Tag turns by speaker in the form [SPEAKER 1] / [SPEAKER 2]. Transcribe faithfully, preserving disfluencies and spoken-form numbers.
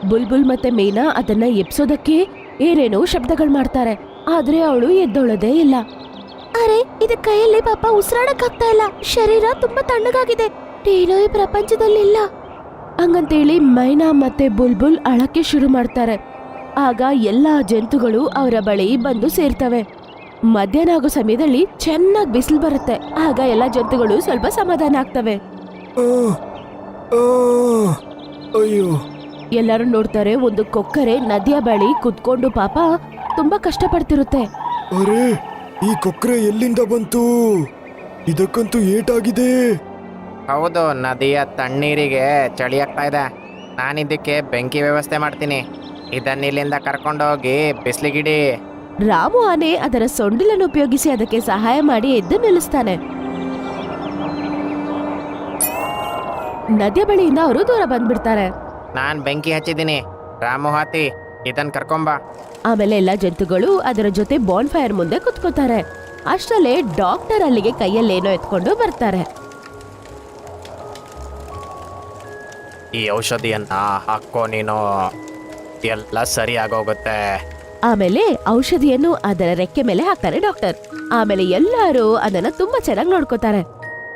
[SPEAKER 1] ಬುಲ್ಬುಲ್ ಮತ್ತೆ ಮೀನಾ ಅದನ್ನ ಎಬ್ಸೋದಕ್ಕೆ ಏನೇನೋ ಶಬ್ದಗಳು ಮಾಡ್ತಾರೆ, ಆದ್ರೆ ಅವಳು ಎದ್ದೊಳದೇ ಇಲ್ಲ. ಅರೆ, ಇದ ಕೈಯಲ್ಲಿ ಪಾಪ ಉಸಿರಾಡಕ್ ಆಗ್ತಾ ಇಲ್ಲ, ಶರೀರ ತುಂಬಾ ತಣ್ಣಗಾಗಿದೆ, ಏನೋ ಈ ಪ್ರಪಂಚದಲ್ಲಿ ಇಲ್ಲ ಹಂಗಂತೇಳಿ ಮೈನಾ ಮತ್ತೆ ಬುಲ್ಬುಲ್ ಅಳಕ್ಕೆ ಶುರು ಮಾಡ್ತಾರೆ. ಆಗ ಎಲ್ಲಾ ಜಂತುಗಳು ಅವರ ಬಳಿ ಬಂದು ಸೇರ್ತವೆ. ಮಧ್ಯಾಹ್ನ ಆಗೋ ಸಮಯದಲ್ಲಿ ಚೆನ್ನಾಗಿ ಬಿಸಿಲು ಬರುತ್ತೆ. ಆಗ ಎಲ್ಲಾ ಜಂತುಗಳು ಸ್ವಲ್ಪ ಸಮಾಧಾನ ಆಗ್ತವೆ.
[SPEAKER 2] ಅಯ್ಯೋ,
[SPEAKER 1] ಎಲ್ಲರೂ ನೋಡ್ತಾರೆ, ಒಂದು ಕೊಕ್ಕರೆ ನದಿಯ ಬಳಿ ಕುತ್ಕೊಂಡು ಪಾಪ ತುಂಬಾ ಕಷ್ಟ ಪಡ್ತಿರುತ್ತೆ.
[SPEAKER 2] ಅರೆ, ಈ ಕೊಕ್ರೆ ಎಲ್ಲಿಂದ ಬಂತು? ಇದಕ್ಕಂತೂ ಏಟಾಗಿದೆ.
[SPEAKER 3] ಹೌದು, ನದಿಯ ತಣ್ಣೀರಿಗೆ ಚಳಿ ಆಗ್ತಾ ಇದೆ. ನಾನಿದ್ದಕ್ಕೆ ಬೆಂಕಿ ವ್ಯವಸ್ಥೆ ಮಾಡ್ತೀನಿ. ಇದನ್ನ ಇಲ್ಲಿಂದ ಕರ್ಕೊಂಡೋಗಿ ಬಿಸಿಲಿಗಿಡಿ.
[SPEAKER 1] ರಾಮು ಆನೆ ಅದರ ಸೊಂಡಿಲನ್ನು ಉಪಯೋಗಿಸಿ ಅದಕ್ಕೆ ಸಹಾಯ ಮಾಡಿ ಎದ್ದು ನಿಲ್ಲಿಸ್ತಾನೆ. ನದಿಯ ಬಳಿಯಿಂದ ಅವರು ದೂರ ಬಂದ್ಬಿಡ್ತಾರೆ.
[SPEAKER 3] ನಾನು ಬೆಂಕಿ ಹಚ್ಚಿದ್ದೀನಿ, ರಾಮು ಹಾತಿ ಇದನ್ನ ಕರ್ಕೊಂಬ.
[SPEAKER 1] ಆಮೇಲೆ ಎಲ್ಲಾ ಜಂತುಗಳು ಅದರ ಜೊತೆ ಬಾನ್ ಫೈರ್ ಮುಂದೆ ಕುತ್ಕೋತಾರೆ. ಅಷ್ಟರಲ್ಲೇ ಡಾಕ್ಟರ್ ಅಲ್ಲಿಗೆ ಕೈಯಲ್ಲೇನೋ ಎತ್ಕೊಂಡು ಬರ್ತಾರೆ.
[SPEAKER 3] ಈ ಔಷಧಿಯನ್ನ ಹಾಕೋ, ನೀನು ಎಲ್ಲ ಸರಿ ಆಗೋಗುತ್ತೆ.
[SPEAKER 1] ಆಮೇಲೆ ಔಷಧಿಯನ್ನು ಅದರ ರೆಕ್ಕೆ ಮೇಲೆ ಹಾಕ್ತಾರೆ ಡಾಕ್ಟರ್. ಆಮೇಲೆ ಎಲ್ಲರೂ ಅದನ್ನ ತುಂಬಾ ಚೆನ್ನಾಗಿ ನೋಡ್ಕೋತಾರೆ.